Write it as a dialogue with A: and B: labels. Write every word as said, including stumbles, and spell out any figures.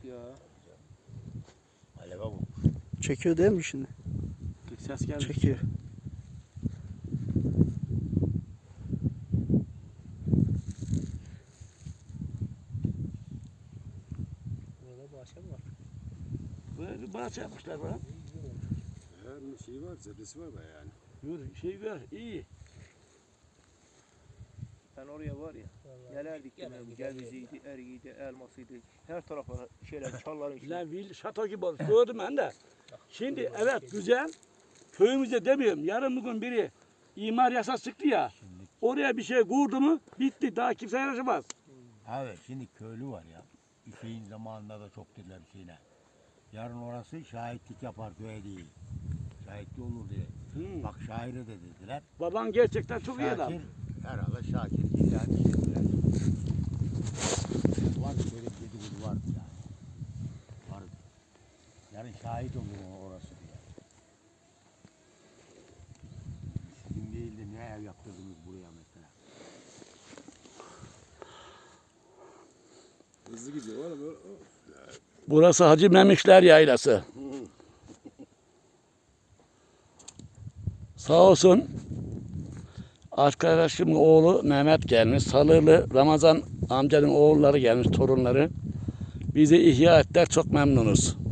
A: Ya.
B: Aleve bu.
C: Çekiyor değil mi şimdi?
A: Ses geldi.
C: Çekiyor.
A: Burada bahçe mi var?
B: Böyle bir bahçe yapmışlar bana.
D: Her şey var, zebdesi var bayağı yani.
B: Yürü, şey ver, iyi.
A: Ben oraya var ya. Neler diktim ben. Ceviziydi, eriydi, elmasıydı. Her tarafa şeyler, çalların içinde.
B: Lan vil şato gibi olmuş. Gördüm ben de. Şimdi evet güzel. Köyümüzde demiyorum. Yarın bugün biri imar yasası çıktı ya. Oraya bir şey kurdu mu bitti. Daha kimse yaşamaz.
E: Evet şimdi köylü var ya. Şeyin zamanında da çok dediler şeyine. Yarın orası şahitlik yapar köye değil. Şahitli olur diye.
B: Hmm.
E: Bak şaire de dediler.
B: Baban gerçekten çok iyi adam.
E: Şakir herhalde Şakir illa bir şey dediler. Var böyle bir dedikodu vardı yani. Vardı. Yani şahit olur orası diye. Sizin değil de ne ev yaptırdınız buraya mesela.
D: Hızlı gidiyor oğlum. o- o-
B: Burası Hacı Memişler Yaylası. Sağ olsun arkadaşımın oğlu Mehmet gelmiş. Salırlı Ramazan amcanın oğulları gelmiş, torunları. Bizi ihya ettiler, çok memnunuz.